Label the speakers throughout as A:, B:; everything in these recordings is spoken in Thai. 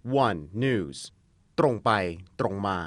A: One News ตรงไปตรงมา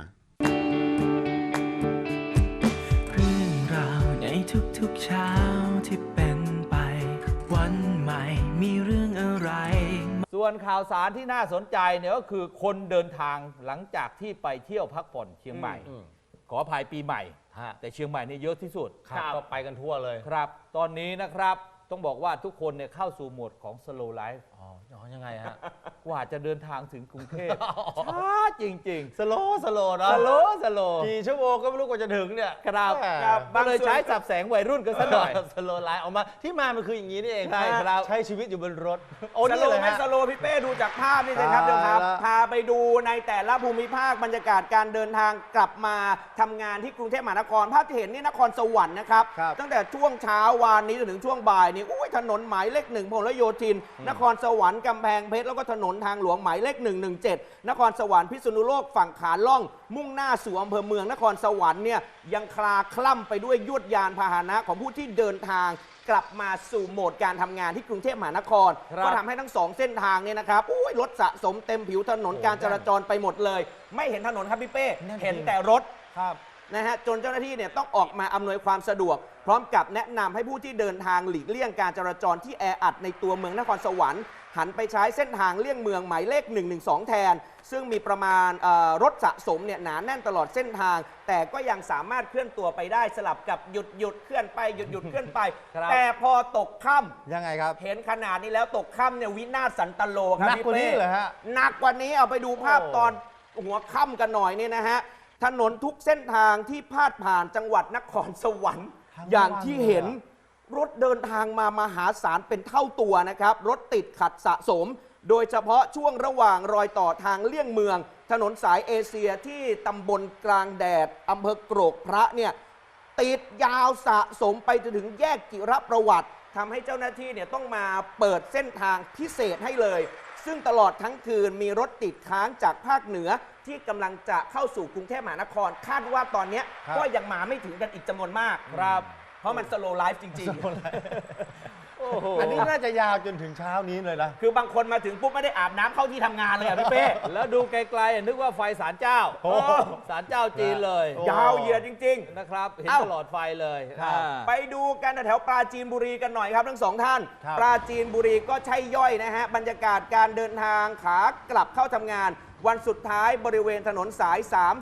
B: เรื่องราวในทุกๆเช้าที่เป็นไปวันใหม่มีเรื่องอะไร
C: ส่วนข่าวสารที่น่าสนใจเนี่ยก็คือคนเดินทางหลังจากที่ไปเที่ยวพักผ่อนเชียงใหม่ ขออภัยปีใหม่แต่เชียงใหม่นี่เยอะที่สุด
D: ก็ไปกันทั่วเลย
C: ครับตอนนี้นะครับต้องบอกว่าทุกคนเนี่ยเข้าสู่โหมดของ slow life
D: ยังไงฮะ
C: กว่าจะเดินทางถึงกรุงเทพช้าจริงๆ
D: สโลว์นะ
C: สโล
D: กี่ชั่วโมงก็ไม่รู้กว่าจะถึงเนี่ย
C: ครับก็เลยใช้สับแสงวัยรุ่นกันซะหน่อย
D: สโลว์ไลฟ์ออกมาที่มามันคืออย่างนี้นี่เอง
C: ใช่ครับ
D: ใช้ชีวิตอยู่บนรถ
E: สโลว์ไม่สโลว์พี่เป้ดูจากภาพนี่สิครับเดี๋ยวครับพาไปดูในแต่ละภูมิภาคบรรยากาศการเดินทางกลับมาทำงานที่กรุงเทพมหานครภาพที่เห็นนี่นครสวรรค์นะครับตั้งแต่ช่วงเช้าวานนี้จนถึงช่วงบ่ายนี่ถนนหมายเลข 1พหลโยธินนครสวรรค์กำแพงเพชรแล้วก็ถนนทางหลวงหมายเลข 117นครสวรรค์พิษณุโลกฝั่งขาล่องมุ่งหน้าสู่อำเภอเมืองนครสวรรค์เนี่ยยังคลาคล่ำไปด้วยยวดยานพาหนะของผู้ที่เดินทางกลับมาสู่โหมดการทำงานที่กรุงเทพมหานครก็ทำให้ทั้งสองเส้นทางเนี่ยนะครับรถสะสมเต็มผิวถนนการจราจรไปหมดเลยไม่เห็นถนนครับพี่เป้เห็นแต่รถนะฮะจนเจ้าหน้าที่เนี่ยต้องออกมาอำนวยความสะดวกพร้อมกับแนะนำให้ผู้ที่เดินทางหลีกเลี่ยงการจราจรที่แออัดในตัวเมืองนครสวรรค์หันไปใช้เส้นทางเลี่ยงเมืองหมายเลข 112 แทนซึ่งมีประมาณรถสะสมเนี่ยหนาแน่นตลอดเส้นทางแต่ก็ยังสามารถเคลื่อนตัวไปได้สลับกับหยุดเคลื่อนไปหยุดเคลื่อนไปแต่พอตกค่ำ
D: ยังไงครับ
E: เห็นขนาดนี้แล้วตกค่ำเนี่ยวินาศสันตโลครับพี่เป้หนักกว่านี้เอาไปดูภาพตอนหัวค่ำกันหน่อยนี่นะฮะถนนทุกเส้นทางที่พาดผ่านจังหวัดนครสวรรค์อย่างที่เห็นรถเดินทางมามหาศาลเป็นเท่าตัวนะครับรถติดขัดสะสมโดยเฉพาะช่วงระหว่างรอยต่อทางเลี่ยงเมืองถนนสายเอเชียที่ตำบลกลางแดดอำเภอโกรกพระเนี่ยติดยาวสะสมไปจนถึงแยกจิรประวัติทำให้เจ้าหน้าที่เนี่ยต้องมาเปิดเส้นทางพิเศษให้เลยซึ่งตลอดทั้งคืนมีรถติดค้างจากภาคเหนือที่กำลังจะเข้าสู่กรุงเทพมหานครคาดว่าตอนนี้ก็ยังมาไม่ถึงกันอีกจำนวนมากครับเพราะมันสโลว์ไลฟ์จริงๆ
D: อันนี้น่าจะยาวจนถึงเช้านี้เลยนะ
E: คือบางคนมาถึงปุ๊บไม่ได้อาบน้ำเข้าที่ทำงานเลยพี่เป้
C: แล้วดูไกลๆนึกว่าไฟศาลเจ้าศาลเจ้าจีนเลย
E: ยาวเหยียดจริง
C: ๆนะครับเห็นตลอดไฟเลย
E: ไปดูกันแถวปราจีนบุรีกันหน่อยครับทั้งสองท่านปราจีนบุรีก็ใช่ย่อยนะฮะบรรยากาศการเดินทางขากลับเข้าทำงานวันสุดท้ายบริเวณถนนสาย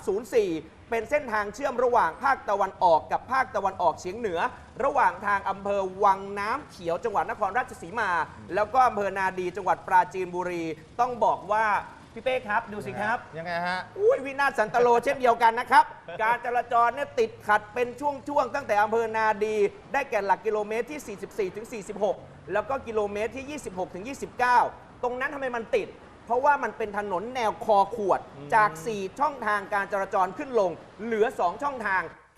E: 304 เป็นเส้นทางเชื่อมระหว่างภาคตะวันออกกับภาคตะวันออกเฉียงเหนือระหว่างทางอำเภอวังน้ำเขียวจังหวัดนครราชสีมาแล้วก็อำเภอนาดีจังหวัดปราจีนบุรีต้องบอกว่าพี่เป้ครับดูสิครับ
D: ยังไงฮะ
E: วินาศสันตโลเช่นเดียวกันนะครับการจราจรเนี่ยติดขัดเป็นช่วงๆตั้งแต่อำเภอนาดีได้แก่หลักกิโลเมตรที่ 44 ถึง 46 แล้วก็กิโลเมตรที่ 26 ถึง 29 ตรงนั้นทำไมมันติดเพราะว่ามันเป็นถนนแนวคอขวดจาก 4 ช่องทางการจราจรขึ้นลงเหลือ 2 ช่องทางแค่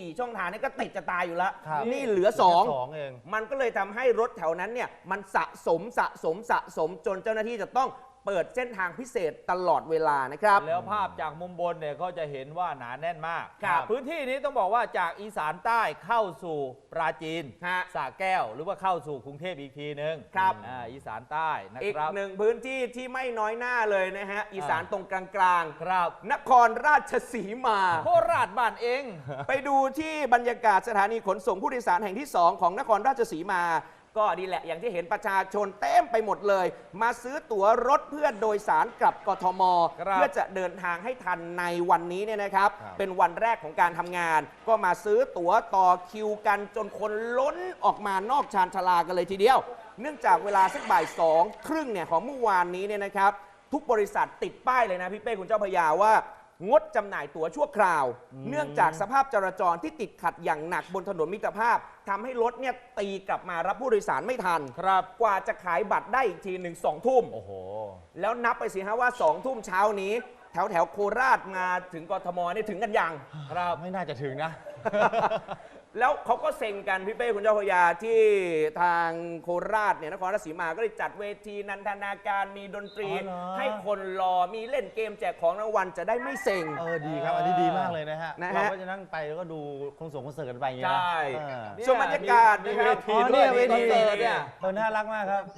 E: 4 ช่องทางนี่ก็ติดจะตายอยู่แล้วนี่เหลือ 2เองมันก็เลยทำให้รถแถวนั้นเนี่ยมันสะสมจนเจ้าหน้าที่จะต้องเปิดเส้นทางพิเศษตลอดเวลานะครับ
C: แล้วภาพจากมุมบนเนี่ยก็จะเห็นว่าหนาแน่นมากพื้นที่นี้ต้องบอกว่าจากอีสานใต้เข้าสู่ปราจีนสระแก้วหรือว่าเข้าสู่กรุงเทพอีกทีนึง
E: ครับ
C: อีสานใต้นะครับ
E: อีกหนึ่งพื้นที่ที่ไม่น้อยหน้าเลยนะฮะอีสานตรงกลาง
C: ๆครับ
E: นครราชสีมา
C: โคราชบ้านเอง
E: ไปดูที่บรรยากาศสถานีขนส่งผู้โดยสารแห่งที่ 2 ของนครราชสีมาก็ดีแหละอย่างที่เห็นประชาชนเต็มไปหมดเลยมาซื้อตั๋วรถเพื่อโดยสารกลับกทมเพื่อจะเดินทางให้ทันในวันนี้เนี่ยนะครับเป็นวันแรกของการทำงานก็มาซื้อตั๋วต่อคิวกันจนคนล้นออกมานอกชานชาลากันเลยทีเดียวเนื่องจากเวลาสักบ่าย2:30เนี่ยของเมื่อวานนี้เนี่ยนะครับทุกบริษัทติดป้ายเลยนะพี่เป้คุณเจ้าพยาว่างดจำหน่ายตั๋วชั่วคราวเนื่องจากสภาพจราจรที่ติดขัดอย่างหนักบนถนนมิตรภาพทำให้รถเนี่ยตีกลับมารับผู้โดยสารไม่ทัน
C: ครับ
E: กว่าจะขายบัตรได้อีกที1 2 ทุ่ม
C: โอ้โห
E: แล้วนับไปสิฮะว่า2 ทุ่มเช้านี้แถวโคราชมาถึงกทมนี่ถึงกันยัง
D: ครับไม่น่าจะถึงนะ
E: แล้วเขาก็เซ็งกันพี่เป้คุณเจ้าพยาที่ทางโคราชเนี่ยนครราชสีมาก็เลยจัดเวทีนันทนาการมีดนตรีให้คนรอมีเล่นเกมแจกของรางวัลจะได้ไม่เซ็ง
D: ดีครับอันนี้ดีมากเลยนะฮะเราก็จะนั่งไปแล้วก็ดูคอนเสิร์ตกันไปอย่างเงี้ย
E: ใช่ส่วนบรรยากาศ
C: มีเวทีด้วยเวทีเนี่ย
D: น่ารักมากครับ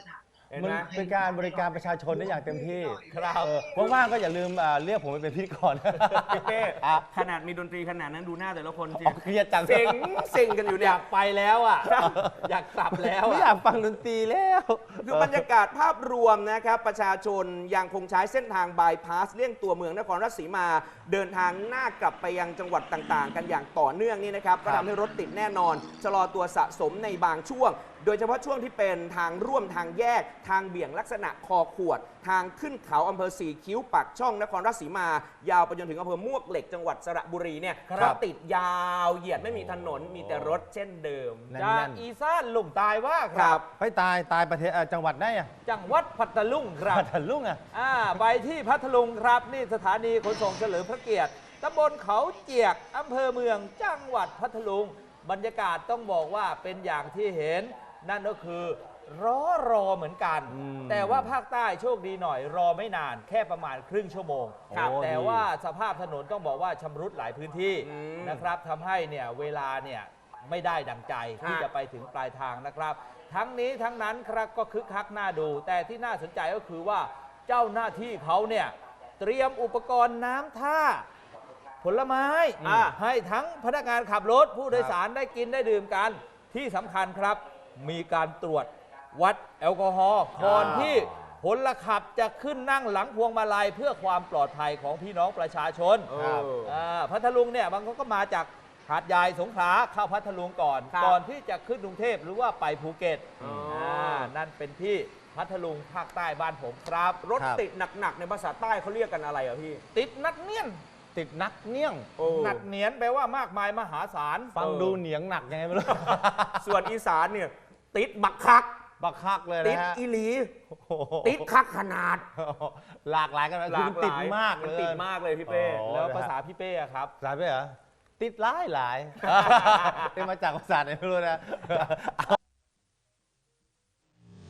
E: เห็น
D: มัน
E: ไหม
D: เป็นการบริการประชาชนได้อย่างเต็มที่
C: ครับ
D: ว่างๆก็อย่าลืมเรียกผมไปเป็นพิธีกร
E: พี่เป้ขนาดมีดนตรีขนาดนั้นดูหน้าแต่ละคนสิ
D: เครียดจัง
E: เซ็งกันอยู่
C: อ
E: เนี่ย
C: ยากไปแล้วอ่ะ อยากกลับแล้ว
D: ไม่
C: อะ
D: อยากฟังดนตรีแล้ว
E: คือบรรยากาศภาพรวมนะครับประชาชนยังคงใช้เส้นทางบายพาสเลี่ยงตัวเมืองนครราชสีมา เดินทางหน้ากลับไปยังจังหวัดต่างๆ กันอย่างต่อเนื่องนี่นะครับก็ทำให้รถติดแน่นอนชะลอตัวสะสมในบางช่วง โดยเฉพาะช่วงที่เป็นทางร่วมทางแยก ทางเบี่ยงลักษณะคอขวด ทางขึ้นเขาอำเภอสีคิ้วปากช่องนครราชสีมา ยาวไปจนถึงอำเภอมวกเหล็กจังหวัดสระบุรีเนี่ย
C: ครับ
E: ก็ติดยาวเหยียดไม่มีถนนมีแต่รถเช่นเดิม
D: แน่น
C: จากอีสานลุ่มตายว่าค
E: ครั
C: รับ
E: บ
D: ไปตายประเทศจังหวัดไหนอ่ะ
C: จังหวัดพัทลุงครับ
D: พัทลุงอ่ะ
C: ไปที่พัทลุงครับนี่สถานีขนส่งเฉลิมพระเกียรติตำบลเขาเจียกอำเภอเมืองจังหวัดพัทลุงบรรยากาศต้องบอกว่าเป็นอย่างที่เห็น นั่นก็คือรอเหมือนกัน แต่ว่าภาคใต้โชคดีหน่อยรอไม่นานแค่ประมาณครึ่งชั่วโมง
D: ครับ
C: แต่ว่าสภาพถนนต้องบอกว่าชำรุดหลายพื้นที่
E: อืม
C: นะครับทำให้เนี่ยเวลาเนี่ยไม่ได้ดังใจที่
E: ฮะ
C: จะไปถึงปลายทางนะครับ ทั้งนี้ทั้งนั้นครับก็คึกคักน่าดู แต่ที่น่าสนใจก็คือว่าเจ้าหน้าที่เขาเนี่ยเตรียมอุปกรณ์น้ำท่า ผลไม้ ให้ทั้งพนักงานขับรถผู้โดยสารได้กินได้ดื่มกันที่สำคัญครับ มีการตรวจวัดแอลกอฮอล์ก่อนที่พลขับจะขึ้นนั่งหลังพวงมาลัยเพื่อความปลอดภัยของพี่น้องประชาชน
D: ครับ
C: พัทลุงเนี่ยบางคนก็มาจากหาดใหญ่สงขลาเข้าพัทลุงก่อน
E: ครับ
C: ก่อนที่จะขึ้นกรุงเทพหรือว่าไปภูเก็ต
E: อ๋อ
C: นั่นเป็นที่พัทลุงภาคใต้บ้านผมครับ
E: รถติดหนักๆในภาษาใต้เขาเรียกกันอะไรอ่ะพี่
C: ติดนักเนียน
D: ติดนักเนียง
C: หนักเหนียนแปลว่ามากมายมหาศาล
D: ฟังดูเหนียงหนักยังไงไม่รู้
E: ส่วนอีสานเนี่ยติดบักคัก
D: บักคักเลย
E: ติด
D: นะฮะ
E: อีหลี
D: โอ้โห
E: ติดคักขนาด
D: หลากหลายกันนะคือมันติดมาก
E: มัน
D: เลย
E: ติดมากเลยพี่เป้
D: โอ้
C: แล้วภาษาพี่เป้อะครับ
D: สายไปเหรอ ติดหลายหลาย เป็นมาจากภาษาไหนไม่รู้นะ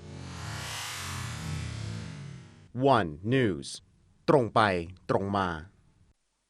A: One News ตรงไปตรงมา